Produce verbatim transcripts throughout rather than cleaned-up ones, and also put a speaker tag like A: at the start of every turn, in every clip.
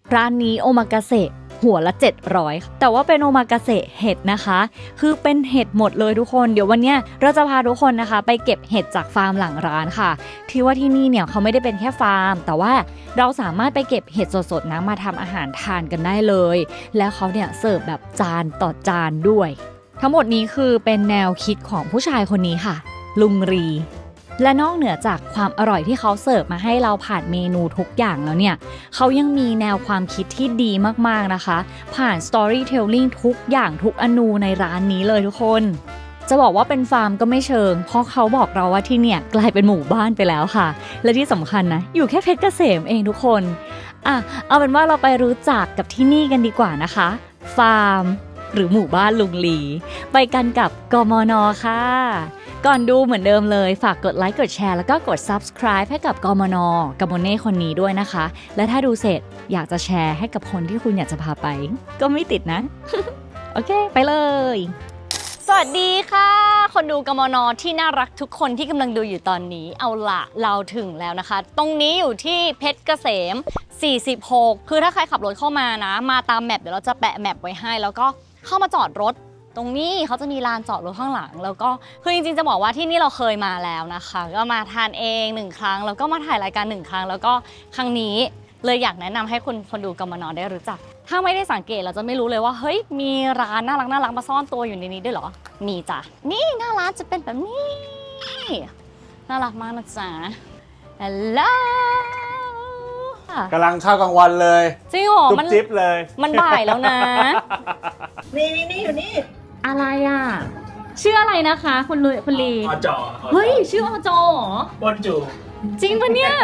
A: ร้านนี้โอมากาเสะหัวละเจ็ดร้อยแต่ว่าเป็นโอมากาเสะเห็ดนะคะคือเป็นเห็ดหมดเลยทุกคนเดี๋ยววันนี้เราจะพาทุกคนนะคะไปเก็บเห็ดจากฟาร์มหลังร้านค่ะที่ว่าที่นี่เนี่ยเขาไม่ได้เป็นแค่ฟาร์มแต่ว่าเราสามารถไปเก็บเห็ดสดๆนะมาทำอาหารทานกันได้เลยแล้วเขาเนี่ยเสิร์ฟแบบจานต่อจานด้วยทั้งหมดนี้คือเป็นแนวคิดของผู้ชายคนนี้ค่ะลุงรีและนอกเหนือจากความอร่อยที่เขาเสิร์ฟมาให้เราผ่านเมนูทุกอย่างแล้วเนี่ยเขายังมีแนวความคิดที่ดีมากๆนะคะผ่าน storytelling ทุกอย่างทุกอนูในร้านนี้เลยทุกคนจะบอกว่าเป็นฟาร์มก็ไม่เชิงเพราะเขาบอกเราว่าที่เนี่ยกลายเป็นหมู่บ้านไปแล้วค่ะและที่สำคัญนะอยู่แค่เพชรเกษมเองทุกคนอ่ะเอาเป็นว่าเราไปรู้จักกับที่นี่กันดีกว่านะคะฟาร์มหรือหมู่บ้านลุงลีไปกันกับกมน.ค่ะก่อนดูเหมือนเดิมเลยฝากกดไลค์กดแชร์แล้วก็กด subscribe ให้กับกมน.กับโมเน่คนนี้ด้วยนะคะและถ้าดูเสร็จอยากจะแชร์ให้กับคนที่คุณอยากจะพาไปก็ไม่ติดนะ โอเคไปเลยสวัสดีค่ะคนดูกมน.ที่น่ารักทุกคนที่กำลังดูอยู่ตอนนี้เอาละเราถึงแล้วนะคะตรงนี้อยู่ที่เพชรเกษมสี่สิบหกคือถ้าใครขับรถเข้ามานะมาตามแมปเดี๋ยวเราจะแปะแมปไว้ให้แล้วก็เข้ามาจอดรถตรงนี้เขาจะมีลานจอดรถข้างหลังแล้วก็คือจริงๆจะบอกว่าที่นี่เราเคยมาแล้วนะคะก็มาทานเองหนึ่งครั้งแล้วก็มาถ่ายรายการหนึ่งครั้งแล้วก็ครั้งนี้เลยอยากแนะนำให้คนคนดูกมน.ได้รู้จักถ้าไม่ได้สังเกตเราจะไม่รู้เลยว่าเฮ้ยมีร้านน่ารักน่ารักมาซ่อนตัวอยู่ในนี้ด้วยเหรอมีจ้ะนี่หน้าร้านจะเป็นแบบนี้น่ารักมากนะจ๊ะฮัลโหล
B: กำลังเข้ากลางวันเลย
A: จริงเหรอมัน
B: จิ๊บเลย
A: มันบ่ายแล้วนะ
C: นี่นี่นี่อยู่นี่
A: อะไรอ่ะชื่ออะไรนะคะคุณลุยคุณลี
C: อจอ
A: เฮ้ยชื่ออจอเหรอ
C: ปนจู
A: จริงปะเนี่ย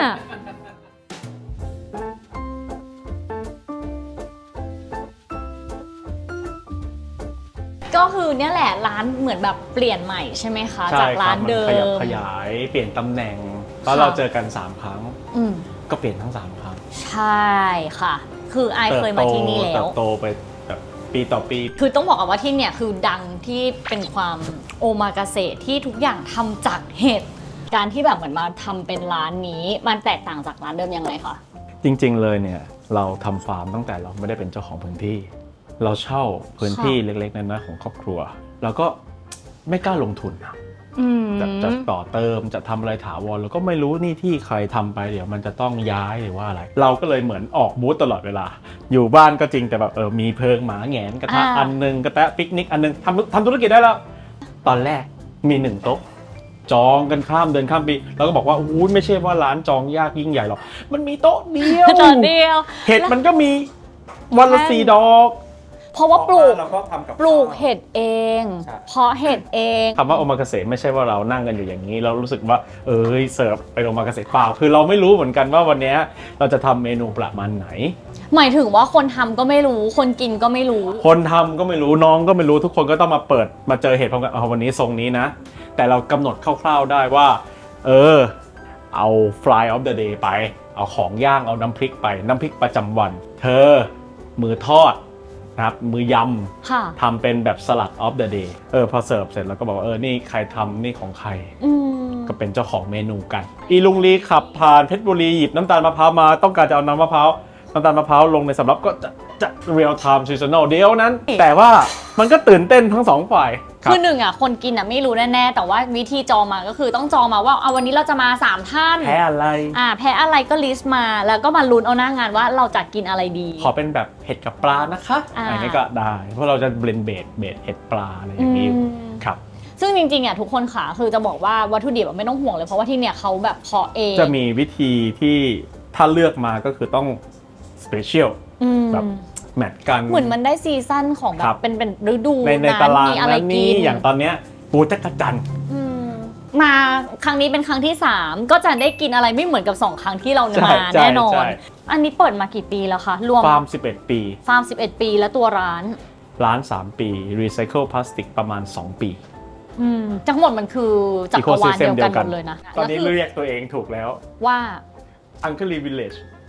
A: ก็คือเนี่ยแหละร้านเหมือนแบบเปลี่ยนใหม่ใช่ไหมคะจากร้านเดิม
B: ขยับขยายเปลี่ยนตำแหน่งเพราะเราเจอกันสามครั้งก็เปลี่ยนทั้งสามครั้ง
A: ใช่ค่ะคือไอเคยมาที่นี่แล้ว
B: เติบโตไปแบบปีต่อปี
A: คือต้องบอกว่าที่เนี่ยคือดังที่เป็นความโอมากาเสะที่ทุกอย่างทำจากเห็ดการที่แบบเหมือนมาทำเป็นร้านนี้มันแตกต่างจากร้านเดิมยังไงคะ
B: จริงๆเลยเนี่ยเราทำฟาร์มตั้งแต่เราไม่ได้เป็นเจ้าของพื้นที่เราเช่าพื้นที่เล็กๆน้อยๆของครอบครัวเราก็ไม่กล้าลงทุนจะจะต่อเติมจะทำอะไรถาวรเราก็ไม่รู้นี่ที่ใครทำไปเดี๋ยวมันจะต้องย้ายหรือว่าอะไรเราก็เลยเหมือนออกบูธตลอดเวลาอยู่บ้านก็จริงแต่แบบเออมีเพิงหมาแหงนกระทะอันนึงกระแตะปิกนิกอันนึงทำทำธุรกิจได้แล้วตอนแรกมีหนึ่งโต๊ะจองกันข้ามเดินข้ามปีเราก็บอกว่าอู้ไม่ใช่ว่าร้านจองยากยิ่งใหญ่หรอกมันมีโต๊ะเดียว
A: โต๊ะเดียว
B: เห็ดมันก็มีวันละสี่ดอก
A: เพราะว่าปลูกปลูกเห็ดเองเพาะเห็ดเอง
B: คำว่าโอมากาเสะไม่ใช่ว่าเรานั่งกันอยู่อย่างนี้เรารู้สึกว่าเอ้ยเสิร์ฟไปโอมากาเสะเปล่าคือเราไม่รู้เหมือนกันว่าวันนี้เราจะทำเมนูประมาณไหน
A: หมายถึงว่าคนทำก็ไม่รู้คนกินก็ไม่รู้
B: คนทำก็ไม่รู้น้องก็ไม่รู้ทุกคนก็ต้องมาเปิดมาเจอเห็ดพร้อมกันเอาวันนี้ทรงนี้นะแต่เรากำหนดคร่าวๆได้ว่าเออเอา fly of the day ไปเอาของย่างเอาน้ำพริกไปน้ำพริกประจำวันเธอมือทอดนะครับมือยำทำเป็นแบบสลัดออฟเดอะเดย์เออพอเสิร์ฟเสร็จแล้วก็บอกว่าเออนี่ใครทำนี่ของใครก็เป็นเจ้าของเมนูกันอีลุงลีขับผ่านเพชรบุรีหยิบน้ำตาลมะพร้าวมาต้องการจะเอาน้ำมะพร้าวน้ำตาลมะพร้าวลงในสำรับก็จะจะเรียลไทม์ซีซันนอลเดียวนั้นแต่ว่ามันก็ตื่นเต้นทั้งสองฝ่าย
A: คือหนึ่งอ่ะคนกินอ่ะไม่รู้แน่ๆแต่ว่าวิธีจองมาก็คือต้องจองมาว่าเอาวันนี้เราจะมาสามท่าน
B: แพ้อะไร
A: อ่าแพ้อะไรก็ลิสต์มาแล้วก็มาลุ้นเอาหน้างานว่าเราจะกินอะไรดี
B: ขอเป็นแบบเห็ดกับปลานะคะอะไรนี้ก็ได้เพราะเราจะเบลนเบดเบดเห็ดปลาอะไรอย่างนี้ครับ
A: ซึ่งจริงๆอ่ะทุกคนขาคือจะบอกว่าวัตถุดิบไม่ต้องห่วงเลยเพราะว่าที่เนี่ยเขาแบบเพาะเอง
B: จะมีวิธีที่ถ้าเลือกมาก็คือต้องสเปเชียลแบบแมทกัน
A: เหมือนมันได้ซีซั่นของแบบเป็นเป็นฤดู
B: ในในตารางนั้นนี่อย่างตอนเนี้ยปูจักรจันทร์
A: มาครั้งนี้เป็นครั้งที่สามก็จะได้กินอะไรไม่เหมือนกับสองครั้งที่เรามาแน่นอนอันนี้เปิดมากี่ปีแล้วคะรวม
B: ฟาร์มสิบเอ็ดปี
A: ฟาร์มสิบเอ็ดปีแล้วตัวร้าน
B: ร้านสามปีรีไซเคิลพลาสติกประมาณสองปี
A: ทั้งหมดมันคือจักรวาลเดียวกันหมดเลยนะ
B: ตอนนี้เรียกตัวเองถูกแล้ว
A: ว่า
B: Uncle Lee Village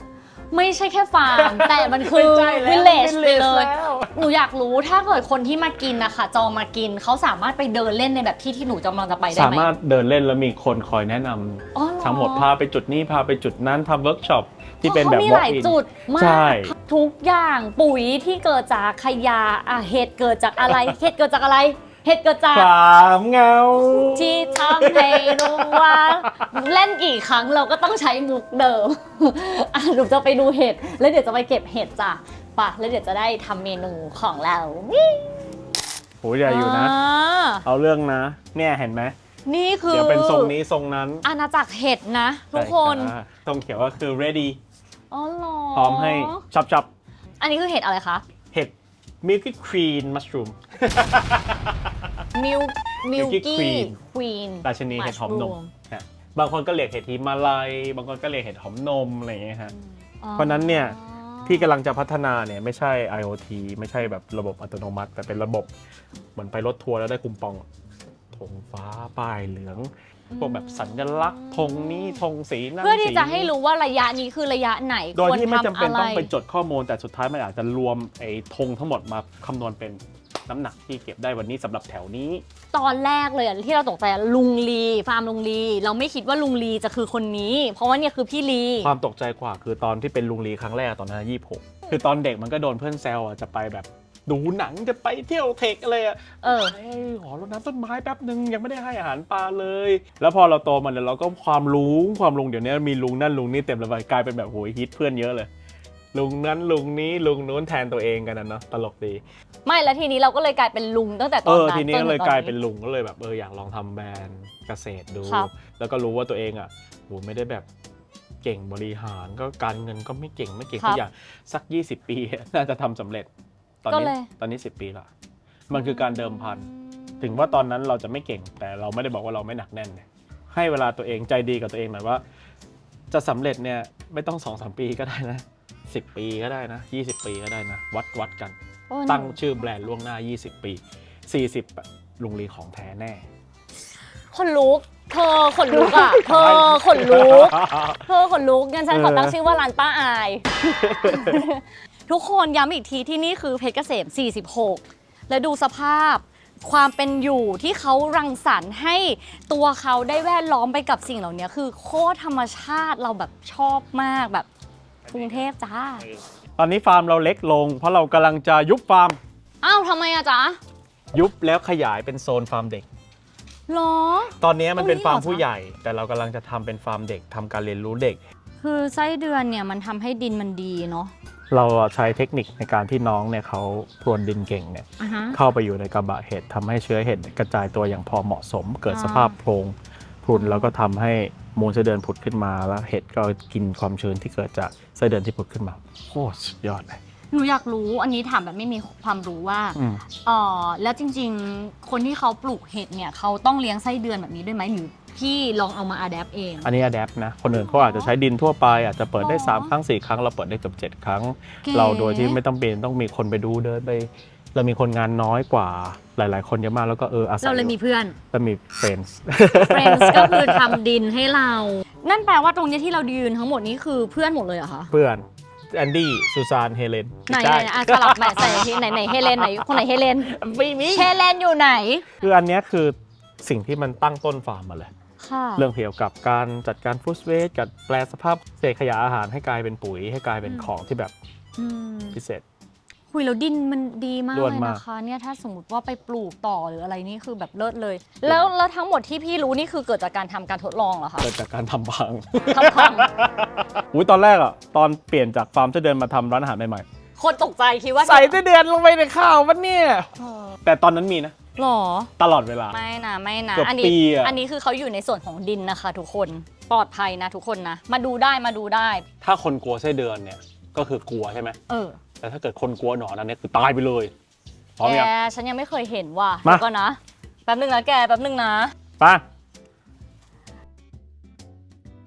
A: ไม่ใช่แค่ฟาร์ม แต่มันคือ
B: ไม่ใช่แล้ว
A: วิลเลจไป
B: village
A: เลย
B: แล้ว
A: หนูอยากรู้ถ้าเกิดคนที่มากินนะคะจองมากินเขาสามารถไปเดินเล่นในแบบที่ที่หนูกำลังจะไปได้
B: สา
A: ไหม
B: มารถเดินเล่นแล้วมีคนคอยแนะนำ
A: อ๋อเรอ
B: ทั้งหมดพาไปจุดนี้พาไปจุดนั้นทำเวิร์กช็อปที่เป็นแบบ
A: เขามี
B: walk
A: หลาย
B: in
A: จุดมา
B: ใช่
A: กทุกอย่างปุ๋ยที่เกิดจากขยะอ่ะเห็ดเกิดจากอะไร เห็ดเกิดจากอะไรเห็ดเกิดจาก
B: ความเหงา
A: ที่ทำให้รู้ว่าเล่นกี่ครั้งเราก็ต้องใช้มุกเดิม อ่ะหนูจะไปดูเห็ดแล้วเดี๋ยวจะไปเก็บเห็ดจ้ะปะแล้วเดี๋ยวจะได้ทำเมนูของเรา
B: โหใหญ่อยู่นะ
A: อ่า
B: เอาเรื่องนะ เนี่ยเห็นไหม
A: นี่คือ
B: เดี๋ยวเป็นทรงนี้ทรงนั้น
A: อาณาจักรเห็ดนะ ทุกคน
B: ใช่ะตรงเขียวก็คือ ready
A: อ๋อเหรอ
B: พร้อมให้ชับชับ
A: อันนี้คือเห็ดอะไรคะ
B: ๆเห็ด milky queen mushroom
A: มิลมิล
B: Milky
A: กี้
B: Queen
A: ควีน
B: ราชินีเห็ดหอมนมนะบางคนก็เรียกเห็ดฮิมาลัยบางคนก็เรียกเห็ดหอมนมอะไรอย่างเงี้ยฮะ เพราะฉะนั้นเนี่ย ที่กำลังจะพัฒนาเนี่ยไม่ใช่ IoT ไม่ใช่แบบระบบอัตโนมัติ แต่เป็นระบบเหมือนไปรถทัวร์แล้วได้คูปองธงฟ้าป้ายเหลืองพวกแบบสัญลักษณ์ธงนี้ธงสีนั้น
A: เพื่อที่
B: สี
A: จะให้รู้ว่าระยะนี้คือระยะไหน
B: โดย
A: ควร
B: ที่ไม่จำ
A: ทำ
B: เป็น
A: อะไร
B: ต้องไปจดข้อมูลแต่สุดท้ายมันอาจจะรวมไอ้ธงทั้งหมดมาคำนวณเป็นน้ำหนักที่เก็บได้วันนี้สำหรับแถวนี้
A: ตอนแรกเลยอะที่เราตกใจอะลุงลีฟาร์มลุงลีเราไม่คิดว่าลุงลีจะคือคนนี้ เพราะว่าเนี่ยคือพี่ลี
B: ความตกใจกว่าคือตอนที่เป็นลุงลีครั้งแรกตอนนั้นยี่สิบหกคือตอนเด็กมันก็โดนเพื่อนแซวอ่ะจะไปแบบดูหนังจะไปเที่ยวเทคอะไรอ่ะ
A: เออ
B: เฮ้ยขอรดน้ำต้นไม้แป๊บนึงยังไม่ได้ให้อาหารปลาเลย แล้วพอเราโตมาเนี่ยเราก็ความรู้ความลุงเดี๋ยวนี้มีลุงนั่นลุงนี่เต็มเลยกลายเป็นแบบโหยฮิตเพื่อนเยอะเลย ลุงนั้นลุงนี้ลุงนู้นแทนตัวเองกันนะเนาะตลกดี
A: ไม่แล้วทีนี้เราก็เลยกลายเป็นลุงตั้งแต่ต
B: เอ
A: อน
B: อ
A: นั้น
B: ทีนี้
A: จ
B: ก็
A: ถึง
B: เลย
A: ตอน
B: กลายเป็นลุงก็เลยแบบเอออยากลองทำแบรนด์เกษตรดู
A: ครับ
B: แล้วก็รู้ว่าตัวเองอ่ะโหไม่ได้แบบเก่งบริหารก็การเงินก็ไม่เก่งไม่เก่งทุกอย่างสัก ยี่สิบ ปี น่าจะทำสำเร็จ ตอนนี้ตอนนี้สิบปีละมันคือการเดิมพัน ถึงว่าตอนนั้นเราจะไม่เก่งแต่เราไม่ได้บอกว่าเราไม่หนักแน่นเนี่ยให้เวลาตัวเองใจดีกับตัวเองหน่อยว่า จะสำเร็จเนี่ยไม่ต้อง สองสาม ปีก็ได้นะสิบปีก็ได้นะยี่สิบปีก็ได้นะวัดวัดกัน
A: โอ้
B: ตั้งชื่อแบรนด์ล่วงหน้ายี่สิบปีสี่สิบลุงลีของแท้แน่
A: คนลุกเธอขนลุกอ่ะเธอขนลุกเธอขนลุกงั้นฉันขอตั้งชื่อว่าร้านป้าอาย ทุกคนย้ำอีกทีที่นี่คือเพชรเกษมสี่สิบหกและดูสภาพความเป็นอยู่ที่เขารังสรรค์ให้ตัวเขาได้แวดล้อมไปกับสิ่งเหล่านี้คือโคตรธรรมชาติเราแบบชอบมากแบบกรุงเทพจ้า
B: ตอนนี้ฟาร์มเราเล็กลง เพราะเรากำลังจะยุบฟาร์ม
A: อ้าวทำไมอะจ๊ะ
B: ยุบแล้วขยายเป็นโซนฟาร์มเด็ก
A: หรอ
B: ตอนนี้มันเป็น
A: ตรงนี้
B: ฟาร์ม
A: เหรอ
B: ผู้
A: จ๊ะ
B: ใหญ่ แต่เรากำลังจะทำเป็นฟาร์มเด็กทำการเรียนรู้เด็ก
A: คือไส้เดือนเนี่ยมันทำให้ดินมันดีเนาะ
B: เราใช้เทคนิคในการที่น้องเนี่ยเขาพรวนดินเก่งเนี่ย
A: อ่ะฮะ
B: เข้าไปอยู่ในกระบะเห็ดทำให้เชื้อเห็ดกระจายตัวอย่างพอเหมาะสม เกิด
A: อ่า
B: สภาพโพรงพรุนแล้วก็ทำให้มูลไส้เดือนผุดขึ้นมาแล้วเห็ดก็กินความชื้นที่เกิดจากไส้เดือนที่ผุดขึ้นมาโคตรสุดยอดเลย
A: หนูอยากรู้อันนี้ถามแบบไม่มีความรู้ว่า
B: อืม
A: เอ๋อแล้วจริงๆ คนที่เขาปลูกเห็ดเนี่ยเขาต้องเลี้ยงไส้เดือนแบบนี้ด้วยไหมหรือพี่ลองเอามาอัดแอปเอง
B: อันนี้อะแดปนะ คนอื่นเขาอาจจะใช้ดินทั่วไปอาจจะเปิดได้
A: อ๋อ
B: สามครั้งสี่ครั้งเราเปิดได้เกือบเจ็ดครั้ง
A: เก๋
B: เราโดยที่ไม่ต้องเป็นต้องมีคนไปดูเดินไป เรามีคนงานน้อยกว่าหลาย ๆ คนเยอะมากแล้วก็เอออาศัย
A: เราเลยมีเพื่อน
B: ก็มีเฟรนด์
A: Friends ก็คือทำดินให้เรา นั่นแปลว่าตรงนี้ที่เรายืนทั้งหมดนี้คือเพื่อนหมดเลยเหรอคะ
B: เพื่อนแอนดี้ซูซานเฮเลน
A: ไหนไหนอ่ะสลับใหม่ใส่ที่ไหนไหนเฮเลนไหนคนไหนเฮเลน
B: ไม่มี
A: เฮเลนอยู่ไหน
B: คืออันเนี้ยคือสิ่งที่มันตั้งต้นฟาร์มมาเลย
A: ค่ะ
B: เรื่องเกี่ยวกับการจัดการฟู้ดเวสต์กับแปลสภาพเศษขยะอาหารให้กลายเป็นปุ๋ยให้กลายเป็นของที่แบบ
A: อืม
B: พิเศษ
A: คุยแล้วดินมันดีมาก
B: ล้วน
A: เลย
B: มาก
A: นะคะเนี่ยถ้าสมมติว่าไปปลูกต่อหรืออะไรนี่คือแบบเลิศเลย แล้วแล้วทั้งหมดที่พี่รู้นี่คือเกิดจากการทำการทดลองเหรอคะ
B: เกิดจากการทำพัง
A: ทำพัง
B: อุ้ยตอนแรกอ่ะตอนเปลี่ยนจากฟาร์มไส้เดือนมาทำร้านอาหารใหม่
A: คนตกใจคิดว่า
B: ๆใส่ไส้เดือนลงไปในข้าวมันเนี่ย
A: เออ
B: แต่ตอนนั้นมีนะ
A: หรอ
B: ตลอดเวลา
A: ไม่นะไม่นะ
B: เกือบ
A: อันี้
B: ปีอะ
A: อันนี้คือเขาอยู่ในส่วนของดินนะคะ ทุกคนปลอดภัยนะทุกคนนะ มาดูได้มาดูได้
B: ถ้าคนกลัวไส้เดือนเนี่ยก็คือกลัวใช่ไหม
A: เออ
B: แต่ถ้าเกิดคนกลัวหนอนอันเนี้ยคือตายไปเลยพร้อม
A: แก
B: ยัง
A: ฉันยังไม่เคยเห็นว่ะ
B: มา
A: เดี๋ยวก่อนนะแป๊บนึงนะแกแป๊บนึงนะ
B: ไป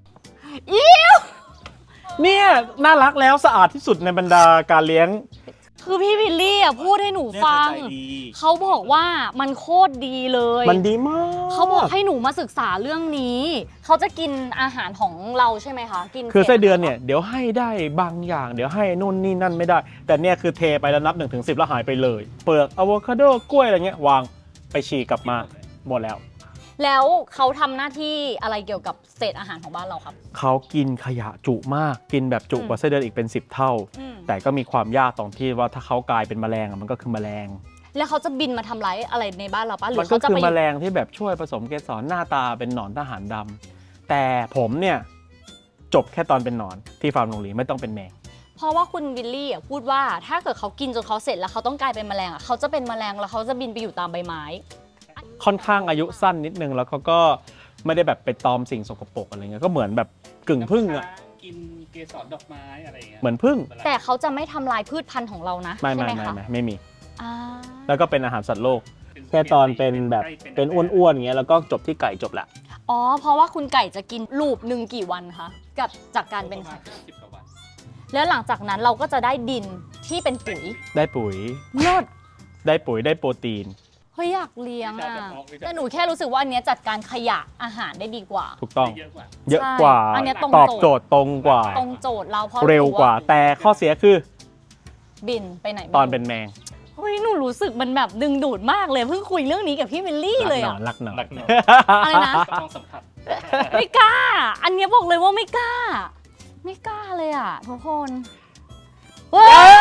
A: อิ๊ว
B: เนี่ยน่ารักแล้วสะอาดที่สุดในบรรดาการเลี้ยง
A: คือพี่วิลลี่อ่ะพูดให้หนูฟัง เขาบอกว่ามันโคตรดีเลย
B: มันดีมาก
A: เขาบอกให้หนูมาศึกษาเรื่องนี้ เขาจะกินอาหารของเราใช่ไหมคะ กิน
B: คือไส้เดือนเนี่ยเดี๋ยวให้ได้บางอย่างเดี๋ยวให้นู่นนี่นั่นไม่ได้ แต่เนี่ยคือเทไปแล้วนับหนึ่งถึงสิบแล้วหายไปเลย เปลือกอะโวคาโดกล้วยอะไรเงี้ยวางไปฉีกกลับมาหมดแล้ว
A: แล้วเขาทำหน้าที่อะไรเกี่ยวกับเศษอาหารของบ้านเราครับ
B: เขากินขยะจุมากกินแบบจุกว่าไส้เดือนอีกเป็นสิบเท่า
A: อืม
B: แต่ก็มีความยากตรงที่ว่าถ้าเขากลายเป็นแมลงอะมันก็คือแมลง
A: แล้วเขาจะบินมาทำร้ายอะไรในบ้านเราปะหรื
B: มั
A: อน เขา
B: ก็
A: จะ
B: คือ
A: ไป
B: แมลงที่แบบช่วยผสมเกสรหน้าตาเป็นหนอนทหารดำแต่ผมเนี่ยจบแค่ตอนเป็นหนอนที่ฟาร์มโรงเรียนไม่ต้องเป็นแมง
A: เพราะว่าคุณวิลลี่อ่ะพูดว่าถ้าเกิดเขากินจนเขาเสร็จแล้วเขาต้องกลายเป็นแมลงอ่ะเขาจะเป็นแมลงแล้วเขาจะบินไปอยู่ตามใบไม้
B: ค่อนข้างอายุสั้นนิดนึงแล้วเขาก็ไม่ได้แบบไปตอมสิ่งสกปรกอะไรเงี้ยก็เหมือนแบบกึ่งพึ่งอ่ะ
D: กินเกสรดอกไม้อะไรอย่างเงี้ย
B: เหมือนพึ่ง
A: แต่เขาจะไม่ทำลายพืชพันธุ์ของเรานะ
B: ไม่
A: ใช่
B: ไม่
A: ไหม
B: ไม่
A: คะ
B: ไม่ไม่มี
A: อ่า
B: แล้วก็เป็นอาหารสัตว์โลกแค่ตอนเป็นแบบเป็นอ้วนๆอย่างเงี้ยแล้วก็จบที่ไก่จบละ
A: อ๋อเพราะว่าคุณไก่จะกินลูปหนึ่งกี่วันคะกับจากการเป็น
D: ประมา
A: ไข่
D: ณห้าสิบกว่าวัน
A: แล้วหลังจากนั้นเราก็จะได้ดินที่เป็นปุ๋ย
B: ได้ปุ๋ย
A: เลิศ
B: ได้ปุ๋ยได้โปรตีน
A: เฮ้ยอยากเลี้ยงอ่ะแต่หนูแค่รู้สึกว่าอันเนี้ยจัดการขยะอาหารได้ดีกว่า
B: ถูกต้อง
D: เยอะกว่า
B: เยอะกว่า
A: ใช่อันเนี้ยตรง
B: ตอบ
A: โจทย์
B: โจทย์ตรงกว่า
A: ตรงโจทย์เราเพราะ
B: เร็วกว่า แต่ข้อเสียคือ
A: บินไปไหนไม่รู้
B: ตอนเป็นแมง
A: เฮ้ยหนูรู้สึกมันแบบดึงดูดมากเลยเพิ่งคุยเรื่องนี้กับพี่วิลลี่เลยอ่ะ
B: รักหนอน
D: รั
B: รั
D: ก
B: ก
D: ห
B: ห
D: น
B: น
D: อ
B: อน น
A: อะไรนะ
D: ก็ต้องสัมผัส
A: ไม่กล้า อันเนี้ยบอกเลยว่าไม่กล้า ไม่กล้าเลยอ่ะทุกคนเว้ย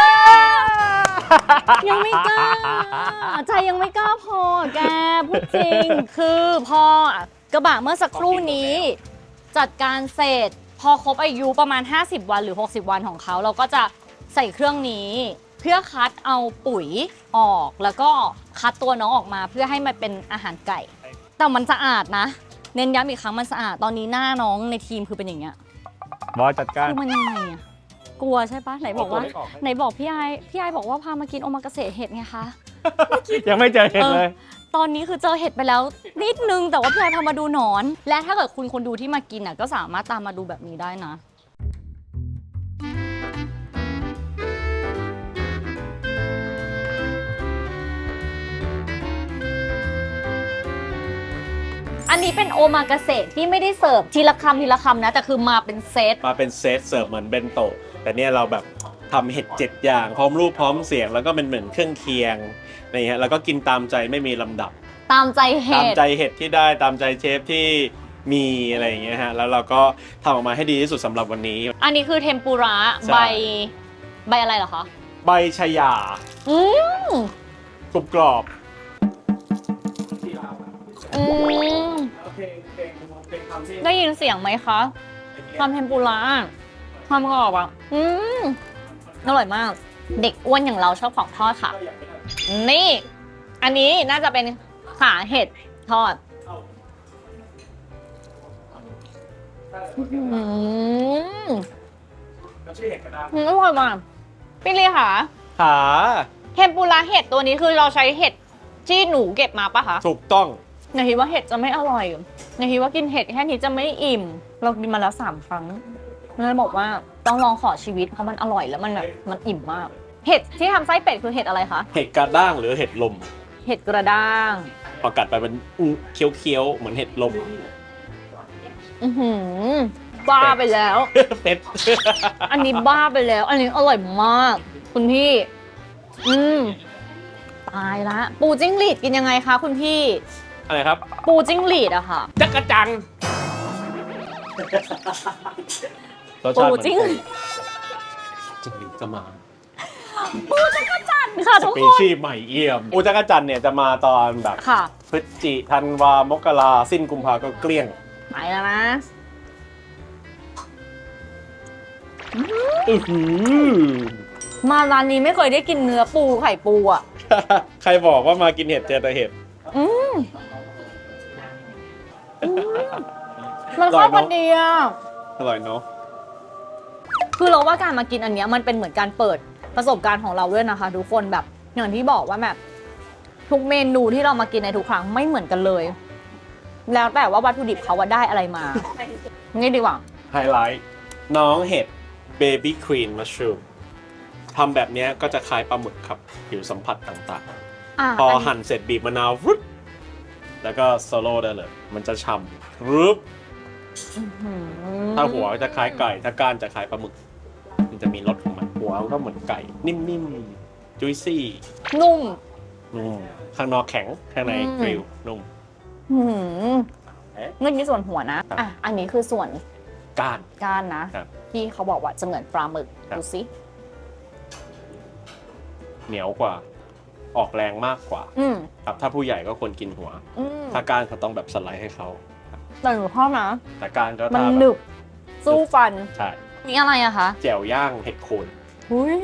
A: ยังไม่กล้า ใจยังไม่กล้าพอแกพูดจริง คือพอกระบะเมื่อสักครู่นี้ จัดการเสร็จพอครบอายุประมาณ ห้าสิบ วันหรือ หกสิบ วันของเขา เราก็จะใส่เครื่องนี้ เพื่อคัดเอาปุ๋ยออก แล้วก็คัดตัวน้องออกมาเพื่อให้มันเป็นอาหารไก่ แต่มันสะอาดนะ เน้นย้ำอีกครั้งมันสะอาด ตอนนี้หน้าน้องในทีมคือเป็นอย่างเงี้ย
B: บอยจัดการ
A: คือมันยังไงอะกลัวใช่ปะไหนบอกว่า ไหนบอกพี่ไอพี่ไอบอกว่าพามากินโอมากาเสะเห็ดไงคะ
B: ยังไม่เจอเห็นเลย
A: ตอนนี้คือเจอเห็ดไปแล้วนิดนึง แต่ว่าพี่ไอพามาดูหนอน และถ้าเกิดคุณคนดูที่มากินอ่ะก็สามารถตามมาดูแบบนี้ได้นะ อันนี้เป็นโอมากาเสะที่ไม่ได้เสิร์ฟทีละคำทีละคำนะ แต่คือมาเป็นเซต
B: มาเป็นเซตเสิร์ฟเหมือนเบนโตะแต่เนี่ยเราแบบทำเห็ดเจ็ดอย่าง พร้อมรูปพร้อมเสียงแล้วก็เป็นเหมือนเครื่องเคียงอะไรเงี้ยแล้วก็กินตามใจไม่มีลำดับ
A: ตามใจเห็
B: ตาม
A: ด
B: ใจเห็ดที่ได้ตามใจเชฟที่มีอะไรอย่างเงี้ยฮะแล้วเราก็ทำออกมาให้ดีที่สุดสำหรับวันนี้
A: อันนี้คือเทมปุระ
B: ใช่
A: ใบใบอะไรเหรอคะ
B: ใบชายา
A: อืม
B: กรุบกรอบ
A: อืมได้ยินเสียงไหมคะความเทมปุระความกรอบอ่ะอืมอร่อยมาก เด็กอ้วนอย่างเราชอบของทอดค่ะ นี่ อันนี้น่าจะเป็นขาเห็ดทอดอืมอร่อยมากพี่ลีค่ะ
B: ขา
A: เทมปุระเห็ดตัวนี้คือเราใช้เห็ดที่หนูเก็บมาปะคะ
B: ถูกต้อง
A: หนูคิดว่าเห็ดจะไม่อร่อยหนูคิดว่ากินเห็ดแค่นี้จะไม่อิ่ม เรากินมาแล้วสามครั้งเลยบอกว่าต้องลองขอชีวิตเพราะมันอร่อยแล้วมันแบบมันอิ่มมาก เห็ดที่ทำไส้เป็ดคือเห็ดอะไรคะ
B: เห็ดกระด้างหรือเห็ดลม
A: เห็ดกระด้าง
B: พอกัดไปมันอื้อเคี้ยวๆเหมือนเห็ดลม
A: อือหือบ้าไปแล้ว
B: เป็ด
A: อันนี้บ้าไปแล้ว อันนี้อร่อยมาก คุณพี่ อืมตายละ ปูจิ้งหรีดกินยังไงคะคุณพี่
B: อะไรครับ
A: ปูจิ้งหรีดอะค่ะ
B: จักรจังรส
A: ปู
B: ชาติเหมือน
A: จิ้ง
B: จิ้งหรีดก็มา
A: ปูจักรจันทร์ค่ะ
B: ส
A: ทุก
B: ปี
A: คน
B: ชีส์ใหม่เอี่ยมอูจักรจันเนี่ยจะมาตอนแบบ
A: ค่ะ
B: พฤศจิธันวามกราสิ้นกุมภาก็เกลี้ยง
A: ไปแล้วนะ
B: อื้อหือ
A: มาร้านนี้ไม่เคยได้กินเนื้อปูไข่ปูอ่ะ
B: ใครบอกว่ามากินเห็ดเจอแต่เห็ด
A: อืมอืมมันเข้ากันดีอ่ะ
B: อร่อยเนาะ
A: คือเราว่าการมากินอันเนี้ยมันเป็นเหมือนการเปิดประสบการณ์ของเราด้วยนะคะทุกคนแบบอย่างที่บอกว่าแบบทุกเมนูที่เรามากินในทุกครั้งไม่เหมือนกันเลย แล้วแต่ว่าวัตถุดิบเขาว่าได้อะไรมา งี้ดีกว่า
B: ไฮไลท์น้องเห็ดเบบี้ควีนมัชรูมทำแบบเนี้ยก็จะคล้ายปลาหมึกครับผิวสัมผัสต่าง
A: อ่ะ
B: ๆ พอหั่นเสร็จบีบมะนาวฟึดแล้วก็โซโล่ได้เลย มันจะฉ่ำรึบ
A: อืม
B: ถ้าหัวจะคล้ายไก่ ถ้าก้านจะคล้ายปลาหมึก มันจะมีรสของมันหัวก็เหมือนไก่ นิ่มๆ จุยซี่
A: นุ่ม
B: นุ่มข้างนอกแข็ง ข้างใน
A: อืม
B: กริลนุ่ม
A: หืม
B: เอ๊ะ
A: เมื่อกี้ส่วนหัวนะ
B: ครับ
A: อ่ะ อันนี้คือส่วน
B: ก้าน
A: ก้านนะ
B: ครับ
A: ที่เขาบอกว่าจะเหมือนปลาหมึก
B: ครับ
A: ดูสิ
B: เหนียวกว่า ออกแรงมากกว่า
A: อืม
B: ครับ ถ้าผู้ใหญ่ก็ควรกินหัว
A: อืม
B: ถ้าก้านเขาต้องแบบสไลด์ให้เขา
A: แต่หนูชอบนะ
B: แต่ก้านก็
A: มัน
B: ถ้า
A: หนึบ สู้ฟัน
B: ใช่
A: นี่อะไรอะคะ
B: แจ่วย่างเห็ดโคน
A: อุ้ย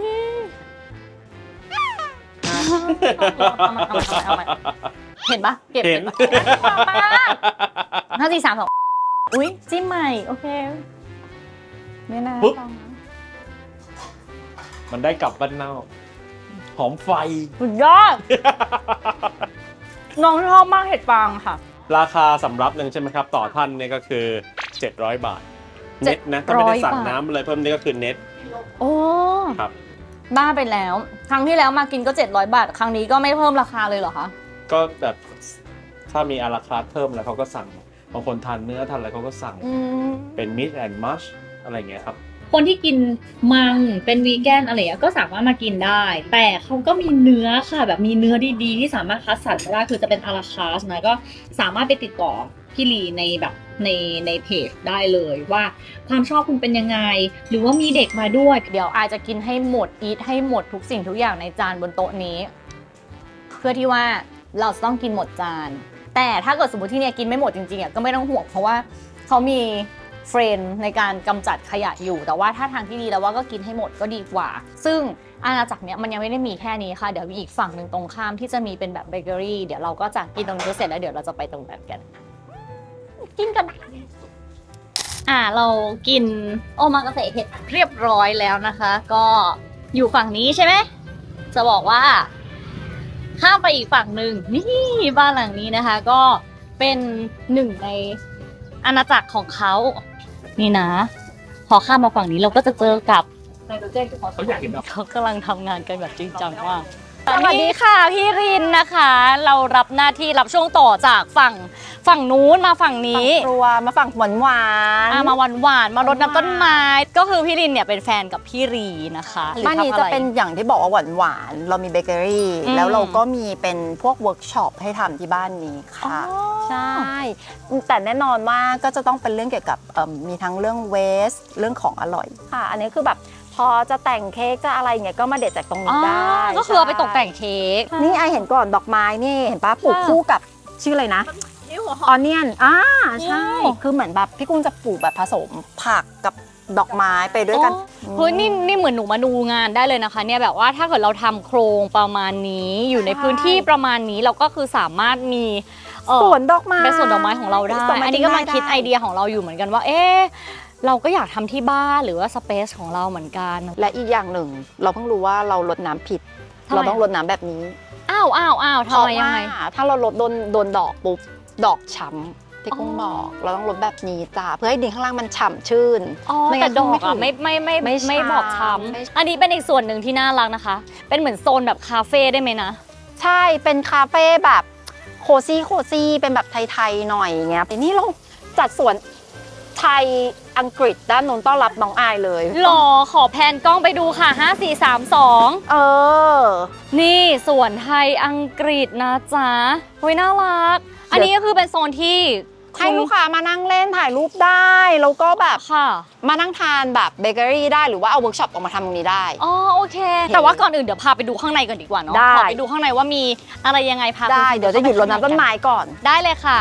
A: เอามาเอามาเอามาเอามาเห็นปะเก็บ
B: เห็น
A: ปะห้าสี่สามสองอุ้ยจิ้มใหม่ โอเคไม่น่า
B: ปุ๊บ
A: ฟังนะ
B: มันได้กลับบ้านเน่าหอมไฟ
A: สุดยอด น้องชอบมากเห็ดฟางค่ะ
B: ราคาสำรับหนึ่งใช่ไหมครับ ต่อท่านเนี่ยก็คือ เจ็ดร้อย บาท เน็ตนะ ถ้าไม่ได้สั่ง
A: บาท
B: น้ำอะไรเพิ่มนี่ก็คือเน็ต
A: โอ้
B: ครับ
A: บ้าไปแล้ว ครั้งที่แล้วมากินก็เจ็ดร้อยบาท ครั้งนี้ก็ไม่เพิ่มราคาเลยเหรอคะ
B: ก็แบบถ้ามีอาราคาร์ทเพิ่มแล้วเขาก็สั่ง บางคนทานเนื้อทานอะไรเขาก็สั่ง
A: อืม
B: เป็นมิ a แอนด์มัชอะไรอย่างเงี้ยครับ
E: คนที่กินมังเป็นวีแกนอะไรอย่างเงี้ยก็สามารถมากินได้ แต่เขาก็มีเนื้อค่ะ แบบมีเนื้อดีๆที่สามารถคัดสรรได้คือจะเป็นอาราคาสนะก็สามารถไปติดต่อพี่ลีในแบบในในเพจได้เลยว่าความชอบคุณเป็นยังไง หรือว่ามีเด็กมาด้วย
A: เดี๋ยวอายจะกินให้หมดอีทให้หมดทุกสิ่งทุกอย่างในจานบนโต๊ะนี้ เพื่อที่ว่าเราจะต้องกินหมดจาน แต่ถ้าเกิดสมมติที่เนี่ยกินไม่หมดจริงๆอ่ะก็ไม่ต้องห่วงเพราะว่าเขามีเฟรนในการกำจัดขยะอยู่ แต่ว่าถ้าทางที่ดีแล้วว่าก็กินให้หมดก็ดีกว่า ซึ่งอาณาจักรเนี้ยมันยังไม่ได้มีแค่นี้ค่ะเดี๋ยวมีอีกฝั่งหนึ่งตรงข้ามที่จะมีเป็นแบบเบเกอรี่เดี๋ยวเราก็จะกินตรงนี้เสร็จแล้วเดี๋ยวเราจะไปตรงนั้นกัน กินกัน อ่าเรากินโอมากาเสะเห็ดเรียบร้อยแล้วนะคะ ก็อยู่ฝั่งนี้ใช่ไหมจะบอกว่าข้ามไปอีกฝั่งหนึ่งนี่บ้านหลังนี้นะคะ ก็เป็นหนึ่งในอาณาจักรของเขานี่นะ พอข้ามมาฝั่งนี้เราก็จะเจอกับไนโตรเจนที่เขา
D: เขาอยากเห็นดอก
A: เขากำลังทำงานกันแบบจริงจังมากสวัสดีค่ะพี่รินนะคะ เรารับหน้าที่รับช่วงต่อจากฝั่งฝั่งนู้นมาฝั่งนี้
C: ครัวมาฝั่งหวานหวาน
A: อ่ะมาหวานหวานๆมารดน้ำต้นไม้ ก็คือพี่รินเนี่ยเป็นแฟนกับพี่รีนะคะหรือ
C: บ้านนี้
A: ทำอ
C: จะ
A: ไร
C: เป็นอย่างที่บอกว่าหวานหวานๆเรามีเบเกอรี่
A: อืม
C: แล้วเราก็มีเป็นพวกเวิร์กช็อปให้ทำที่บ้านนี้ค่ะ
A: อ๋อ
C: ใช่ แต่แน่นอนว่าก็จะต้องเป็นเรื่องเกี่ยวกับเอิ่มมีทั้งเรื่องเวสเรื่องของอร่อยค่ะ อันนี้คือแบบพอจะแต่งเค้กจะอะไรเงี้ยก็มาเด็ดจากตรง
A: อ๋
C: นี้
A: อ
C: ได้
A: ก็คือเอาไปตกแต่งเค้ก
C: นี่ไอเห็นก่อนดอกไม้นี่เห็นป้าปลูก
A: ค่ะ
C: คู่กับชื่ออะไรนะออนเนียนอ่าใช่
A: โอ้
C: คือเหมือนแบบพี่กุ้งจะปลูกแบบผสมผักกับดอกไม้ไปด้วยกัน
A: อ๋อเฮ้ยนี่นี่เหมือนหนูมาดูงานได้เลยนะคะ เนี่ยแบบว่าถ้าเกิดเราทำโครงประมาณนี้อยู่ใน
C: ใช่
A: พื้นที่ประมาณนี้เราก็คือสามารถมีเอ่อ
C: สวนดอกไม้
A: เป็นสวนดอกไม้ของเราได้
C: สวนไม้
A: อันนี้ก็มาคิด
C: ได้
A: ไอเดียของเราอยู่เหมือนกันว่า เอ๊ะเราก็อยากทำที่บ้านหรือว่าสเปซของเราเหมือนกัน
C: และอีกอย่างหนึ่ง เราเพิ่งรู้ว่าเราลดน้ำผิด
A: ทำไม
C: เราต้องลดน้ำแบบนี้
A: อ้าวอ้าวอ้าว
C: เพ
A: ทำ
C: ราะ
A: ไมยัง
C: ว่า
A: ไง
C: ถ้าเราลดโดนโดนดอกปุ๊บดอกช้ำที่กุ้ง
A: อ๋อ
C: บอก เราต้องลดแบบนี้จ้าเพื่อให้ดินข้างล่างมันฉ่ำชื่น
A: อ๋อ
C: ไม่งั้
A: แต่
C: น
A: ดอก
C: ไม่ถึ
A: อะ
C: ง
A: ไม่ไม่ไม่
C: ไม่
A: ไม่บอก
C: ช้ำไม่
A: ช้ำอันนี้เป็นอีกส่วนหนึ่งที่น่ารักนะคะ เป็นเหมือนโซนแบบคาเฟ่ได้ไหมนะ
C: ใช่เป็นคาเฟ่แบบโคซี่โคซี่เป็นแบบไทยๆหน่อยอย่างเงี้ยแต่นี่เราจัดสวนไทยอังกฤษด้านนู้นต้อนรับน้องอายเลย
A: หรอขอแพนกล้องไปดูค่ะห้า สี่ สาม สอง
C: เออ
A: นี่สวนไทยอังกฤษนะจ๊ะเฮ้ยน่ารัก อันนี้ก็คือเป็นโซนที่
C: ให้ลูกค้ามานั่งเล่นถ่ายรูปได้แล้วก็แบบ
A: ค่ะ
C: มานั่งทานแบบเบเกอรี่ได้หรือว่าเอาเวิร์กช็อปออกมาทำตรงนี้ได้
A: อ๋อโอเค แต่ว่าก่อนอื่นเดี๋ยวพาไปดูข้างในก่อนดีกว่าเนาะ
C: ได้
A: ขอไปดูข้างในว่ามีอะไรยังไงพา
C: ได้
A: คุณ
C: เดี๋ยวจะหยุดรดน้ำต้นไม้ก่อน
A: ได้เลยค่ะ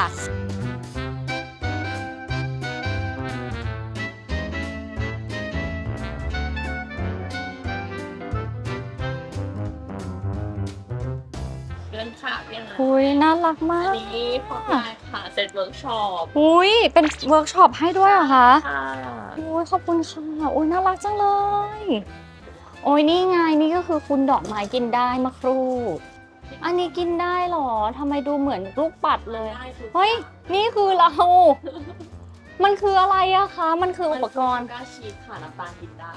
E: เพื่อนค่ะเพื่อนนะ
A: อุ้ยน่ารักมา
E: อั
A: ก
E: นนี้พอได้ค่ะเสร็จเวิร์กช็อป
A: อุ้ยเป็นเวิร์กช็อปให้ด้วยเหรอคะ
E: ค่ะ
A: โอ้ยขอบคุณค่ะโอ้ยน่ารักจังเลย โอ้ยนี่ไงนี่ก็คือคุณดอกไม้กินได้มะครูอันนี้กินได้เหรอทำไมดูเหมือนลูกปัดเลย
E: ได้ทุก
A: เฮ้ยนี่คือเรา มันคืออะไรอะคะ มันคืออุปกรณ์
E: ก้าชีสค่ะน้ำตาลกินได้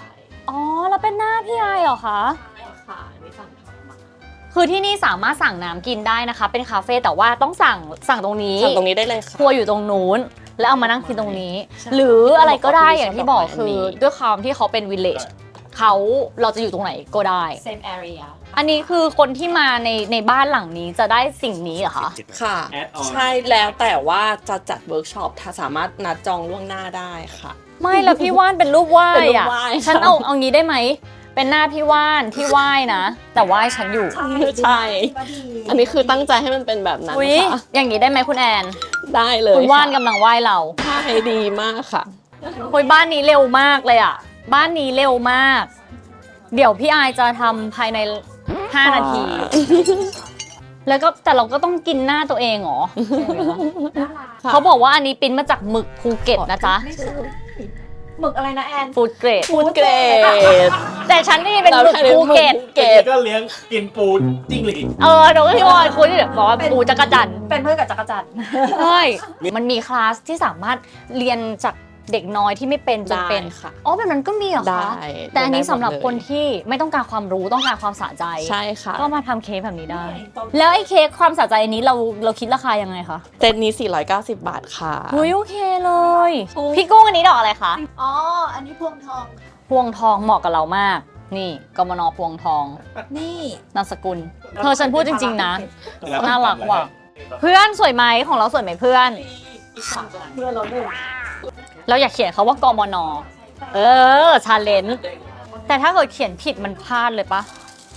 A: อ๋อแล้วเป็นหน้าพี่ไอเหรอคะ
F: ค่ะอันนี้สั่งทำมา
A: คือที่นี่สามารถสั่งน้ำกินได้นะคะ เป็นคาเฟ่แต่ว่าต้องสั่งสั่งตรงนี้
F: สั่งตรงนี้ได้เลยค่ะ
A: ครัวอยู่ตรงนู้น แล้วเอามานั่งกินตรงนี้
F: ใช่
A: หรืออะไรก็ได้อย่างที่บอก
F: อันนี้
A: คือด้วยความที่เขาเป็นวิลเลจเขาเราจะอยู่ตรงไหนก็ได้
E: same area
A: อันนี้คือคนที่มาในในบ้านหลังนี้จะได้สิ่งนี้เหรอคะ
F: ค่ะ
B: Add on
F: ใช่แล้วแต่ว่าจะจัดเวิร์กช็อปถ้าสามารถนัดจองล่วงหน้าได้ค่ะ
A: ไม่แล้วพี่ว่านเป็นรูปไหว้
F: เป็นรู
A: อะ
F: ปไหว้ค่ะ
A: ฉันเอาเอางี้ได้ไหม เป็นหน้าพี่ว่านที่ไหว้นะ แต่ไหว้ฉันอยู่
F: ใช่ อันนี้คือตั้งใจให้มันเป็นแบบนั้น
A: อุ้ย
F: ค่ะ
A: อย่างนี้ได้ไหมคุณแอน
F: ได้เลย
A: คุณว่าน
F: ค่ะ
A: กำลังไหว้เรา
F: ใช่ดีมากค่ะ
A: คุยบ้านนี้เร็วมากเลยอ่ะ บ้านนี้เร็วมาก เดี๋ยวพี่อายจะทำภายในห้านาที แล้วก็แต่เราก็ต้องกินหน้าตัวเองเหรอ
F: ค่ะ
A: เขาบอกว่าอันนี้ปริ้นมาจากหมึกภูเก็ตนะจ๊ะ
E: หมึกอะไรนะแอน
A: ฟูดเกรด
F: ฟูดเกรด
A: แต่ฉันนี่เป็นหมึกภูเก็ต
F: เกรด
B: ก็เลี้ยงกินปูจิ้งหรีด
A: เออหนูก็พี่วอนคุยที่แบบบอกว่าปูจักรจันทร์
E: เป็นเพื่อนกับจักรจันทร์
A: ใช่มันมีคลาสที่สามารถเรียนจากเด็กน้อยที่ไม่เป็นจนเป็น
F: ได้ค่ะ
A: อ๋อแบบนั้นก็มีเหรอ
F: ได้
A: คะ แต่อันนี้สำหรับ
F: ได้หมดเลย
A: คนที่ไม่ต้องการความรู้ต้องการความสะใจ
F: ใช่ค่ะ
A: ก็มาทำเค้กแบบนี้ได้ แล้วไอ้เค้กความสะใจอันนี้เราเราคิดราคายังไงคะ
F: เซตนี้สี่ร้อยเก้าสิบบาทค่ะ
A: หุยโอเคเลย พี่กุ้งอันนี้ดอกอะไรคะ
E: อ๋อ อันนี้พวงทอง
A: พวงทองเหมาะกับเรามาก นี่กมนพวงทอง
E: นี่
A: นามสกุลเธอฉันพูดจริง ๆ นะ น่ารักว่ะ เพื่อนสวยไหมของเราสวยไหมเพื่อน
E: เพื่อนเราด้วย
A: เราอยากเขียนเขาว่ากมน เออ ชาเลนจ์แต่ถ้าเกิดเขียนผิดมันพลาดเลยปะ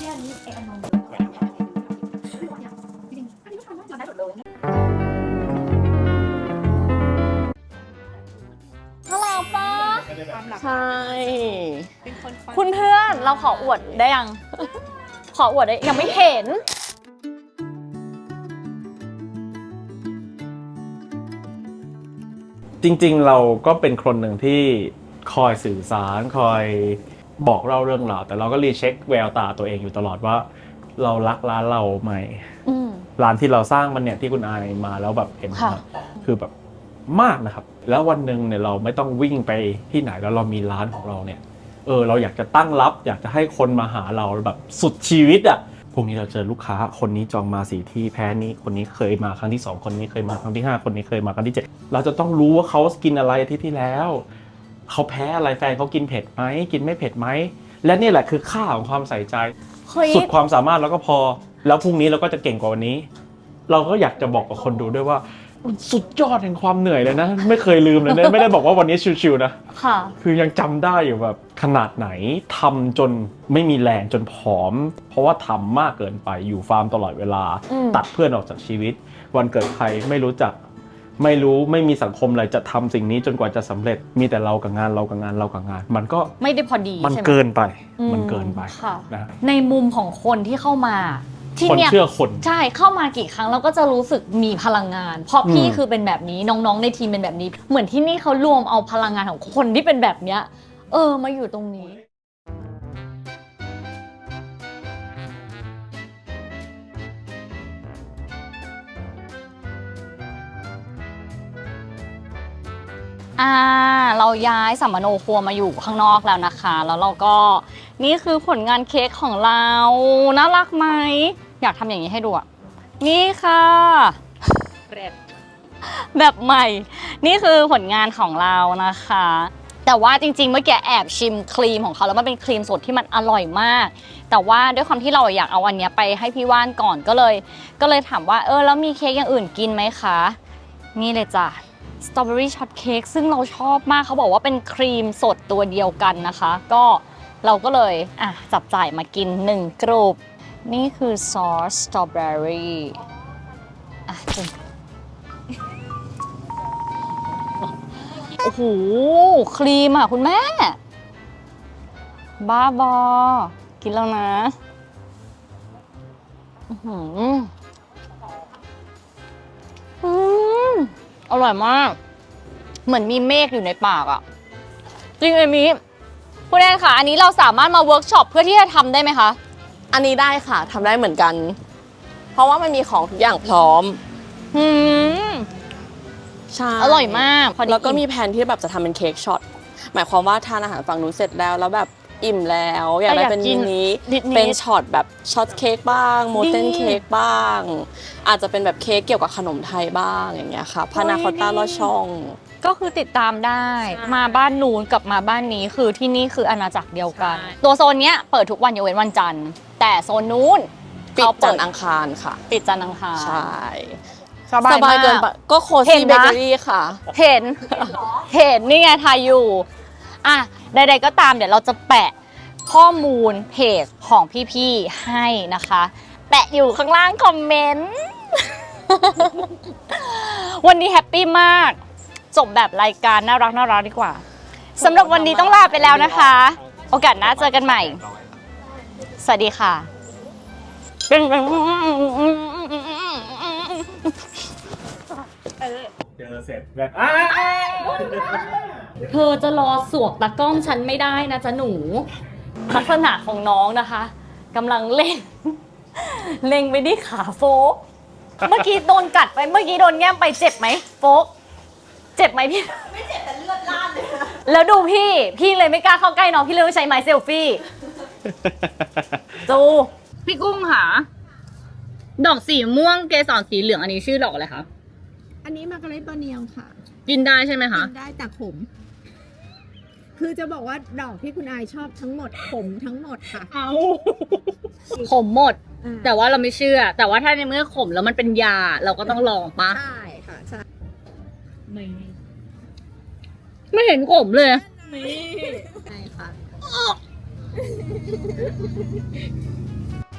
A: น่ารักปะ
F: ใช่
A: คุณเพื่อนเราขออวดได้ยัง ขออวดได้ยังไม่เห็น
B: จริงๆ เราก็เป็นคนหนึ่งที่คอยสื่อสารคอยบอกเล่าเรื่องราวแต่เราก็รีเช็คแววตาตัวเองอยู่ตลอดว่า เรารักร้านเราไหม
A: อืม
B: ร้านที่เราสร้างมันเนี่ยที่คุณอายมาแล้วแบบเห็น
A: ค่ะ
B: นะคือแบบมากนะครับ แล้ววันหนึ่งเนี่ยเราไม่ต้องวิ่งไปที่ไหนแล้วเรามีร้านของเราเนี่ยเออเราอยากจะตั้งรับ อยากจะให้คนมาหาเราแบบสุดชีวิตอ่ะพรุ่งนี้เราเจอลูกค้าคนนี้จองมาสี่ที่แพ้นี้คนนี้เคยมาครั้งที่สองคนนี้เคยมาครั้งที่ห้าคนนี้เคยมาครั้งที่เจ็ดเราจะต้องรู้ว่าเขากินอะไรอาทิตย์ที่แล้วเขาแพ้อะไรแฟนเขากินเผ็ดไหมกินไม่เผ็ดไหมและนี่แหละคือค่าของความใส่ใจ
A: เฮ้ย
B: สุดความสามารถแล้วก็พอ แล้วพรุ่งนี้เราก็จะเก่งกว่าวันนี้ เราก็อยากจะบอกกับคนดูด้วยว่ามันสุดยอดแห่งความเหนื่อยเลยนะ ไม่เคยลืมเลยนะ ไม่ได้บอกว่าวันนี้ชิวๆนะ
A: ค่ะ
B: คือยังจำได้อยู่แบบขนาดไหนทำจนไม่มีแรงจนผอม เพราะว่าทำมากเกินไปอยู่ฟาร์มตลอดเวลา
A: อืม
B: ตัดเพื่อนออกจากชีวิต วันเกิดใครไม่รู้จัก ไม่รู้ไม่มีสังคมอะไรจะทำสิ่งนี้จนกว่าจะสำเร็จ มีแต่เรากับงานเรากับงานเรากับงาน มันก็
A: ไม่ได้พอดี
B: มัน
A: ใช่ไหม
B: เกินไป
A: อื
B: มันเกินไป
A: ค่ะ
B: นะ
A: ในมุมของคนที่เข้ามา ที่
B: คน
A: เนี่ย
B: เชื่อคน
A: ใช่เข้ามากี่ครั้งเราก็จะรู้สึกมีพลังงาน เพราะพี่
B: อืม
A: คือเป็นแบบนี้น้องๆในทีมเป็นแบบนี้ เหมือนที่นี่เขารวมเอาพลังงานของคนที่เป็นแบบเนี้ย เออมาอยู่ตรงนี้ อ่าเราย้ายสัมมโนครัวมาอยู่ข้างนอกแล้วนะคะ แล้วเราก็นี่คือผลงานเค้กของเราน่ารักไหมอยากทำอย่างนี้ให้ดูอ่ะนี่ค่ะแบบแบบใหม่ นี่คือผลงานของเรานะคะ แต่ว่าจริงๆเมื่อกี้แอบชิมครีมของเขาแล้วมันเป็นครีมสดที่มันอร่อยมาก แต่ว่าด้วยความที่เราอยากเอาอันเนี้ยไปให้พี่ว่านก่อนก็เลย ก็เลยถามว่าเออแล้วมีเค้กอย่างอื่นกินไหมคะนี่เลยจ้ะสตรอเบอรี่ช็อตเค้กซึ่งเราชอบมากเขาบอกว่าเป็นครีมสดตัวเดียวกันนะคะ ก็เราก็เลยอ่ะจับจ่ายมากินหนึ่งกรุบนี่คือซอสสตรอเบอรี่อ่ะจุ่มโอ้โหครีมอ่ะคุณแม่ บ้าบอ กินแล้วนะอื้อหืออืมอร่อยมาก เหมือนมีเมฆอยู่ในปากอะจริงเอมี่คุณแอนค่ะ อันนี้เราสามารถมาเวิร์กช็อปเพื่อที่จะทำได้ไหมคะ
F: อันนี้ได้ค่ะทำได้เหมือนกัน เพราะว่ามันมีของทุกอย่างพร้อม
A: อืม
F: ใช่
A: อร่อยมากพอดี
F: แล้วก็มีแผนที่แบบจะทำเป็นเค้กช็อตหมายความว่าทานอาหารฝั่งนู้นเสร็จแล้วแล้วแบบอิ่มแล้วอยากได้เป็นมินิ
C: นิดๆ
F: เป็นช็อตแบบช็อตเค้กบ้างโมเทน
C: ดี
F: เค้กบ้าง อาจจะเป็นแบบเค้กเกี่ยวกับขนมไทยบ้างอย่างเงี้ยค่ะพานาคอตต้าลอดช่อง
C: ก็คือติดตามได้
F: ใช่
C: มาบ้านนู้นกับมาบ้านนี้คือที่นี่คืออาณาจักรเดียวกัน
F: ใช่
C: ตัวโซนเนี้ยเปิดทุกวันยกเว้นวันจันทร์ แต่โซนนู้น
F: ปิด
C: เขา
F: จั
C: เปิ
F: น
C: ด
F: ทร์อังคารค่ะ
C: ปิดจันทร์อังคาร
F: ใช่
C: สบาย
F: สบายเกินไป
C: มาก
F: ก็โค
C: เห็
F: ซี่
C: น
F: เบ
C: นะ
F: เกอรี่ค่ะ
C: เห็น เห็นนี่ไงทายอยู่ อ่ะ ใดๆก็ตามเดี๋ยวเราจะแปะข้อมูลเพจของพี่ๆให้นะคะ แปะอยู่ข้างล่างคอมเมนต์ วันนี้แฮปปี้มาก จบแบบรายการน่ารักน่ารักดีกว่าสำหรับวันนี้ต้องลาไปแล้วนะคะ โอกาสหน้าเจอกันใหม่ สวัสดีค่ะ
B: เจอเสร็จแบบอ้า
A: เธอจะรอสวกตากล้องฉันไม่ได้นะจ๊ะหนู
C: ลักษณะของน้องนะคะกำลังเล่น เล็งไปที่ขาโฟก เมื่อกี้โดนกัดไปเมื่อกี้โดนแง้มไปเจ็บไหมโฟก เจ็บไหมพี่ ไม่เจ็บแต่เลือดลาดเลยแล้วดูพี่ พี่เลยไม่กล้าเข้าใกล้น้องพี่เลยต้องใช้ไม้เซลฟี่จู
E: พี่กุ้งค่ะ ดอกสีม่วงเกสรสีเหลืองอันนี้ชื่อดอกอะไรคะ
G: อันนี้มาการ์เรตบอร์เนียวค่ะ
E: กินได้ใช่ไหมคะ
G: กินได้แต่ขม คือจะบอกว่าดอกที่คุณอายชอบทั้งหมดขมทั้งหมดค่ะ
E: เอาขมหมด
G: อ่า
E: แต่ว่าเราไม่เชื่อ แต่ว่าถ้าในเมื่อขมแล้วมันเป็นยา เราก็ต้องลองปะ
G: ใช่ค่ะ ใช่
E: ไม่เห็นขมเลย
G: ใช่ค่ะ